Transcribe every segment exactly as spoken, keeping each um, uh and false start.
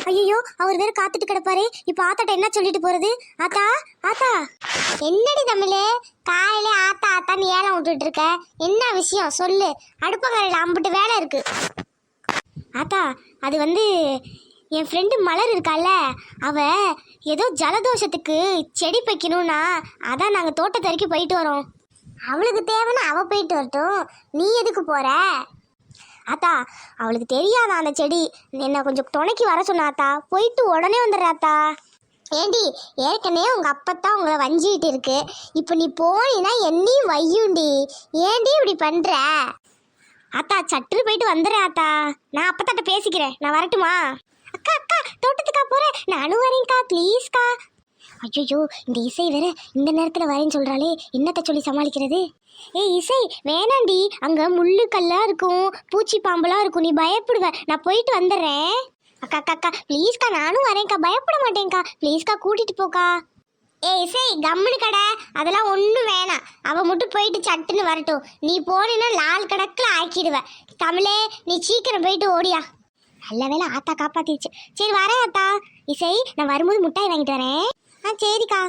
ஐயோ அவர் வேற காத்துட்டு கிடப்பாரு. இப்ப ஆத்தாட்ட என்ன சொல்லிட்டு போறது? ஆத்தா ஆத்தா. என்னடி தமிழே காலையில ஆத்தா ஆத்தான்னு ஏலம் விட்டுட்டு இருக்க? என்ன விஷயம் சொல்லு. அடுப்பங்கரையில் அம்பிட்டு வேலை இருக்கு. ஆத்தா அது வந்து என் ஃப்ரெண்டு மலர் இருக்கால, அவ ஏதோ ஜலதோஷத்துக்கு செடி வைக்கணும்னா அதான் நாங்கள் தோட்டத்து வரைக்கும் போயிட்டு வரோம். அவளுக்கு தேவைன்னா அவ போயிட்டு வரட்டும், நீ எதுக்கு போற? ஆத்தா அவளுக்கு தெரியாதா அந்த செடி, என்ன கொஞ்சம் துணைக்கு வர சொன்னாத்தா, போயிட்டு உடனே வந்துடுறாத்தா. ஏண்டி ஏற்கனவே உங்க அப்பத்தான் உங்களை வஞ்சிக்கிட்டு இருக்கு, இப்போ நீ போனீன்னா என்னையும் வையுண்டி. ஏண்டி இப்படி பண்ற? அத்தா சட்டுன்னு போயிட்டு வந்துடுறேன் ஆத்தா. நான் அப்பத்தாட்ட பேசிக்கிறேன், நான் வரட்டுமா? அக்கா அக்கா தோட்டத்துக்கா போறேன், நானும் வரேன்க்கா ப்ளீஸ்க்கா. ஐயோ இந்த இசை வேற இந்த நேரத்தில் வரேன்னு சொல்கிறாளே, என்னத்தை சொல்லி சமாளிக்கிறது? ஏய் இசை வேணாண்டி, அங்கே முள்ளு கல்லாக இருக்கும், பூச்சி பாம்பெல்லாம் இருக்கும், நீ பயப்படுவ. நான் போயிட்டு வந்துடுறேன். அக்கா அக்கா அக்கா ப்ளீஸ்க்கா, நானும் வரேன்க்கா, பயப்பட மாட்டேன்க்கா, ப்ளீஸ்க்கா கூட்டிகிட்டு போக்கா. ஏ இசை கம்முனு கடை, அதெல்லாம் ஒன்றும் வேணாம், அவள் மட்டும் போயிட்டு சட்டுன்னு வரட்டும். நீ போனீன்னா லால் கணக்கில் ஆக்கிடுவ. தமிழே நீ சீக்கிரம் போயிட்டு ஓடியா. நல்ல வேலை ஆத்தா காப்பாத்திடுச்சு. சரி வரேன் ஆத்தா. இசை நான் வரும்போது முட்டாய் வாங்கிட்டு வரேன். ஆ சரிக்கா.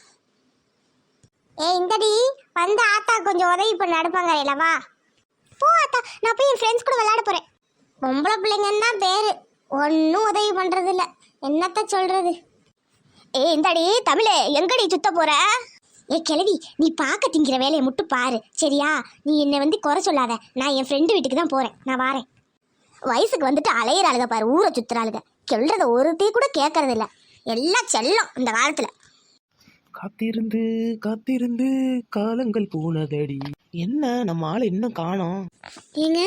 ஏ இந்தடி வந்து ஆத்தா கொஞ்சம் உதவி பண்ண நடப்பாங்க இல்லவா? போ ஆத்தா, நான் போய் என் ஃப்ரெண்ட்ஸ் கூட விளையாட போகிறேன். பொம்பளை பிள்ளைங்கன்னு தான் பேர், ஒன்றும் உதவி பண்ணுறது இல்லை, என்னத்த சொல்கிறது? ஏ இந்தாடி தமிழே எங்கடி சுத்த போற? ஏ கிழவி நீ பார்க்க திங்கிற வேலையை மட்டும் பாரு சரியா? நீ என்னை வந்து குறை சொல்லாத, நான் என் ஃப்ரெண்டு வீட்டுக்கு தான் போகிறேன், நான் வாரேன். வயசுக்கு வந்துட்டு அலையிறாளுக பாரு, ஊரை சுத்துறாளுக, சொல்றத ஒருத்தையும் கூட கேட்கறது இல்லை, எல்லாம் செல்லம் இந்த காலத்துல. காத்திருந்து காத்திருந்து காலங்கள் போனதடி. என்ன நம்ம ஆளை இன்னும் காணோம்? ஏங்க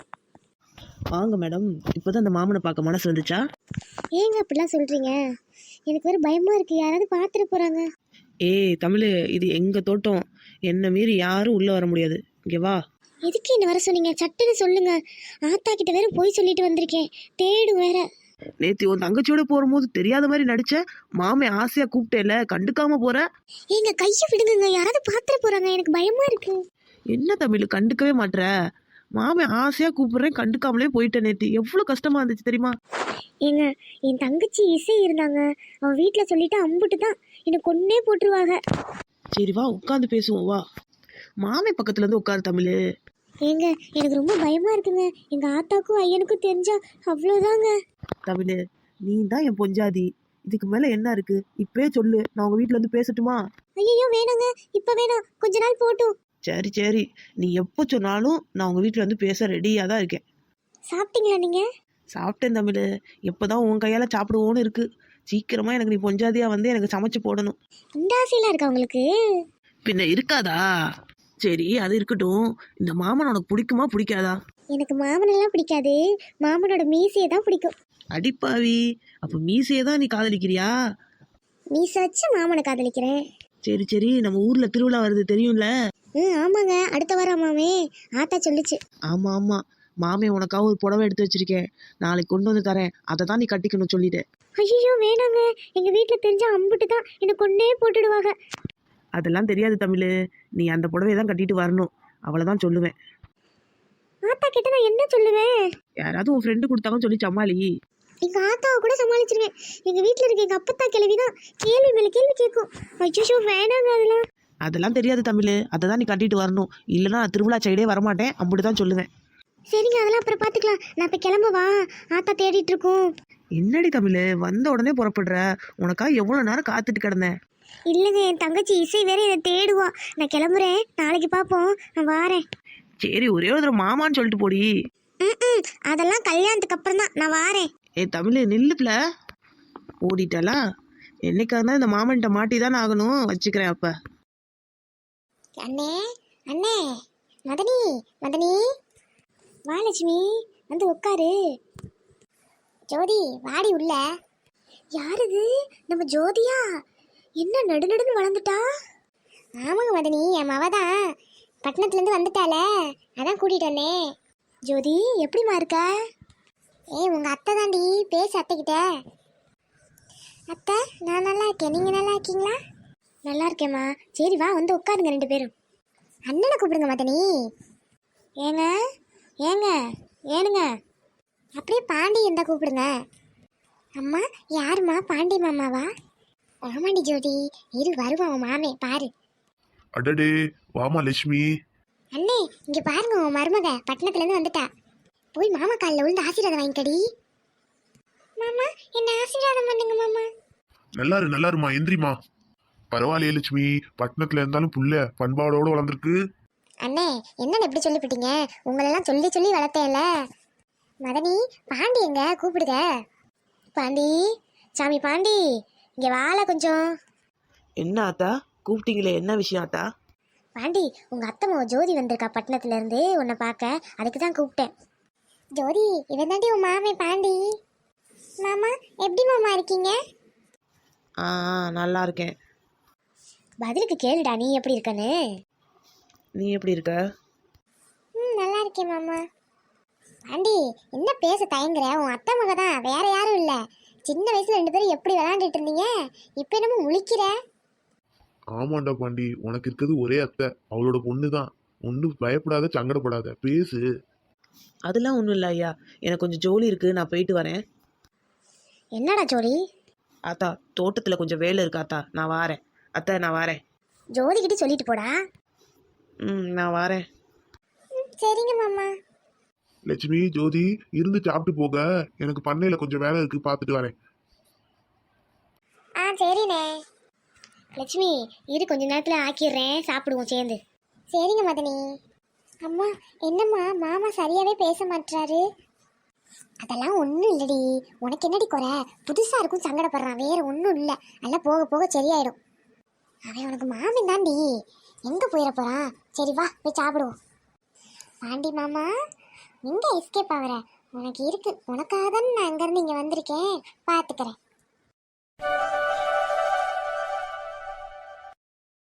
வாங்க மேடம், இப்போதான் அந்த மாமனை பார்க்க மனசு வந்துச்சா? ஏங்க அப்படிலாம் சொல்றீங்க? எனக்கு வேறு பயமா இருக்கு, யாராவது பார்த்துட்டு போறாங்க. ஏய் தமிழ், இது எங்க தோட்டம், என்ன மீறி யாரும் உள்ள வர முடியாது, இங்கே வா. எதுக்கு என்ன வர சொன்னீங்க? சட்டுன்னு சொல்லுங்க. ஆத்தா கிட்ட வேற போய் சொல்லிட்டு வந்திருக்கேன், தேடு வேற. நேத்தி உன் தங்கச்சியோட போகும்போது தெரியாத மாதிரி நடிச்ச, மாமே ஆசையா கூப்பிட்டேல, கண்டுக்காம போற. ஏங்க கையை விடுங்க, யாராவது பார்த்துட்டு போறாங்க, எனக்கு பயமா இருக்கு. என்ன தமிழ் கண்டுக்கவே மாட்ற? மாமே ஆசையா கூப்பிடுறேன், கண்டுக்காமலே போயிட்டேன். நேத்தி எவ்வளவு கஷ்டமா இருந்துச்சு தெரியுமா? ஏங்க என் தங்கச்சி இசை இருந்தாங்க, அவன் வீட்டுல சொல்லிட்டு அம்புட்டு தான் என்னை கொன்னே போட்டுருவாங்க. சரி வா உட்காந்து பேசுவோம் வா. மாமே பக்கத்துல இருந்து உட்காரு தமிழ். ஏங்க எனக்கு ரொம்ப பயமா இருக்குங்க, எங்க ஆத்தாக்கும் ஐயனுக்கும் தெரிஞ்சா அவ்வளவுதாங்க. தமிழ் நீ தான் என் பொஞ்சாதி, இதுக்கு மேல என்ன இருக்கு? இப்பவே சொல்லு, நான் உங்க வீட்டுல இருந்து பேசட்டுமா? ஐயோ வேணாங்க, இப்ப வேணாம், கொஞ்ச நாள் போட்டும். சரி சரி, நீ எப்போ சொன்னாலும் நான் உங்க வீட்டுல வந்து பேச ரெடியா தான் இருக்கேன். சாப்பிட்டீங்களா நீங்க? சாப்பிட்டேன் தமிழ், எப்போதான் உன் கையால சாப்பிடுவோன்னு இருக்கு. சீக்கிரமா எனக்கு நீ பொஞ்சாதியா வந்து எனக்கு சமைச்சு போடணும். இந்த ஆசையெல்லாம் இருக்கா உங்களுக்கு? பின்ன இருக்காதா? சரி அது இருக்கட்டும், இந்த மாமன் உனக்கு பிடிக்குமா பிடிக்காதா? எனக்கு மாமனெல்லாம் பிடிக்காது, மாமனோட மீசையை தான் பிடிக்கும். அடிப்பாவி, அப்ப மீசையை தான் நீ காதலிக்கிறியா? மீசை வச்சு மாமனை காதலிக்கிறேன். சரி சரி, நம்ம ஊர்ல திருவிழா வருது தெரியும்ல? ம் ஆமாங்க, அடுத்த வாரம் மாமே ஆத்தா சொல்லிச்சு. ஆமா ஆமா, மாமே உனக்காக ஒரு புடவை எடுத்து வச்சிருக்கேன், நாளைக்கு கொண்டு வந்து தரேன், அதை தான் நீ கட்டிக்கணும் சொல்லிட்டேன். ஐயோ வேணாங்க, எங்க வீட்டுல தெரிஞ்சா அம்புட்டு தான் என்னை கொன்னே போட்டுடுவாங்க. அதெல்லாம் தெரியாது தமிழ், நீ அந்த புடவையை தான் கட்டிட்டு வரணும், அவ்வளவுதான் சொல்லுவேன். ஆத்தா கிட்ட நான் என்ன சொல்லுவேன்? யாராவது உன் ஃப்ரெண்டு கொடுத்தாங்கன்னு சொல்லி சமாளி. எங்க ஆத்தாவை கூட சமாளிச்சிருவேன், எங்க வீட்டுல இருக்க எங்க அப்பத்தா கிழவிதான் கேள்வி மேல கேள்வி கேட்கும். ஐயோ வேணாங்க அதெல்லாம். அதெல்லாம் தெரியாது தமிழ், அதை தான் நீ கட்டிட்டு வரணும், இல்லைன்னா நான் திருவிழா சைடே வரமாட்டேன், அப்படிதான் சொல்லுவேன். சரிங்க அதெல்லாம் அப்புறம் பாத்துக்கலாம், நான் இப்ப கிளம்பவா? ஆத்தா தேடிட்டு இருக்கோம். என்னடி தமிழ் வந்த உடனே புறப்படுற? உனக்காக எவ்வளவு நேரம் காத்துட்டு கிடந்தேன். இல்லைங்க என் தங்கச்சி இசை வேற என்னை தேடுவா, நான் கிளம்புறேன், நாளைக்கு பார்ப்போம், நான் வாரேன். சரி ஒரே ஒரு தடவை மாமான்னு சொல்லிட்டு போடி. ம் அதெல்லாம் கல்யாணத்துக்கு அப்புறம் தான், நான் வாரேன். ஏ தமிழ் நில்லுப்ல, ஓடிட்டாளா? என்னைக்காக தான் இந்த மாமன்ட்ட மாட்டி தானே ஆகணும், வச்சுக்கிறேன் அப்ப. அண்ணே அண்ணே, மதனி மதனி, வா லட்சுமி வந்து உட்காரு. ஜோதி வாடி உள்ள. யார் இது? நம்ம ஜோதியா? என்ன நடு நடுன்னு வளர்ந்துட்டா? ஆமாங்க மதனி, என் மவ தான், பட்டணத்துலேருந்து வந்துட்டால, அதான் கூட்டிகிட்டு வந்தேன். ஜோதி எப்படிமா இருக்க? ஏய் உங்கள் அத்தை தாண்டி, பேசு அத்தைக்கிட்ட. அத்தை நான் நல்லா இருக்கேன், நீங்கள் நல்லா இருக்கீங்களா? நல்லா இருக்கேம்மா. சரி வா வந்து உட்காருங்க ரெண்டு பேரும். அண்ணனை கூப்பிடுங்க மதனி. ஏங்க ஏங்க ஏனுங்க, அப்படியே பாண்டி இருந்தால் கூப்பிடுங்க. அம்மா யாரும்மா? பாண்டி மாமாவா? ஆமாண்டி ஜோதி, இரு வருவான் உன் மாமே பாரு. அடடே வாமா லட்சுமி. அண்ணே இங்க பாருங்க, உன் மருமக பட்டணத்துல இருந்து வந்துட்டா. போய் மாமா காலில் விழுந்து ஆசீர்வாதம் வாங்கிக்கடி. மாமா என்ன ஆசீர்வாதம் பண்ணுங்க மாமா. நல்லாரு நல்லாருமா, எந்திரிமா. பரவாயில்லையே லட்சுமி, பட்டணத்துல இருந்தாலும் புள்ள பண்பாடோட வளர்ந்துருக்கு. அண்ணே என்னன்னு எப்படி சொல்லிவிட்டீங்க? உங்களெல்லாம் சொல்லி சொல்லி வளர்த்தேன்ல. மதனி பாண்டி எங்க கூப்பிடுங்க. பாண்டி, சாமி பாண்டி இங்க வாழ கொஞ்சம். என்ன ஆத்தா கூப்பிட்டீங்களே, என்ன விஷயம் ஆத்தா? பாண்டி உங்க அத்தம்மா ஜோதி வந்திருக்கா பட்டணத்துல இருந்து உன்னை பார்க்க, அதுக்கு தான் கூப்பிட்டேன். ஜோதி இவன் தாண்டி உன் மாமே பாண்டி. மாமா எப்படி மாமா இருக்கீங்க? ஆ ஆ, நல்லா இருக்கேன். பதிலுக்கு கேளுடா நீ எப்படி இருக்கன்னு. நீ எப்படி இருக்க? ம் நல்லா இருக்கேன் மாமா. பாண்டி என்ன பேச தயங்குற? உன் அத்தை மக தான், வேற யாரும் இல்லை. சின்ன வயசுல ரெண்டு பேரும் எப்படி விளையாண்டுட்டு இருந்தீங்க, இப்போ என்னமோ முழிக்கிற. ஆமாண்டா பாண்டி, உனக்கு இருக்கிறது ஒரே அத்தை, அவளோட பொண்ணு தான். ஒன்றும் பயப்படாத, சங்கடப்படாத, பேசு. அதெல்லாம் ஒன்றும் இல்லை ஐயா, எனக்கு கொஞ்சம் ஜோலி இருக்குது, நான் போயிட்டு வரேன். என்னடா ஜோடி? ஆத்தா தோட்டத்தில் கொஞ்சம் வேலை இருக்கு ஆத்தா, நான் வாரேன். அத்தை நான் வாரேன். ஜோதிக்கிட்ட சொல்லிட்டு போடா. ம் நான் வாரேன். ம், சரிங்க மாமா. லட்சுமி ஜோதி இருந்து சாப்பிட்டு போக, எனக்கு பண்ணையில கொஞ்சம் வேலை இருக்கு, பார்த்துட்டு வரேன். ஆ சரிண்ணே. லட்சுமி இரு கொஞ்ச நேரத்தில் ஆக்கிடுறேன், சாப்பிடுவோம் சேர்ந்து. சரிங்க மதனி. அம்மா என்னம்மா மாமா சரியாவே பேச மாட்டாரு? அதெல்லாம் ஒன்றும் இல்லடி, உனக்கு என்னடி குறை? புதுசாக இருக்கும் சங்கடப்படுறான், வேற ஒன்றும் இல்லை. எல்லாம் போக போக சரியாயிடும். அவன் உனக்கு மாமன் தாண்டி, எங்கே போயிட போகிறான்? சரி வா போய் சாப்பிடுவோம். பாண்டி மாமா எங்கே எஸ்கேப் ஆகிற? உனக்கு இருக்கு, உனக்காக தான் நான் அங்கேருந்து இங்கே வந்திருக்கேன், பார்த்துக்கிறேன்.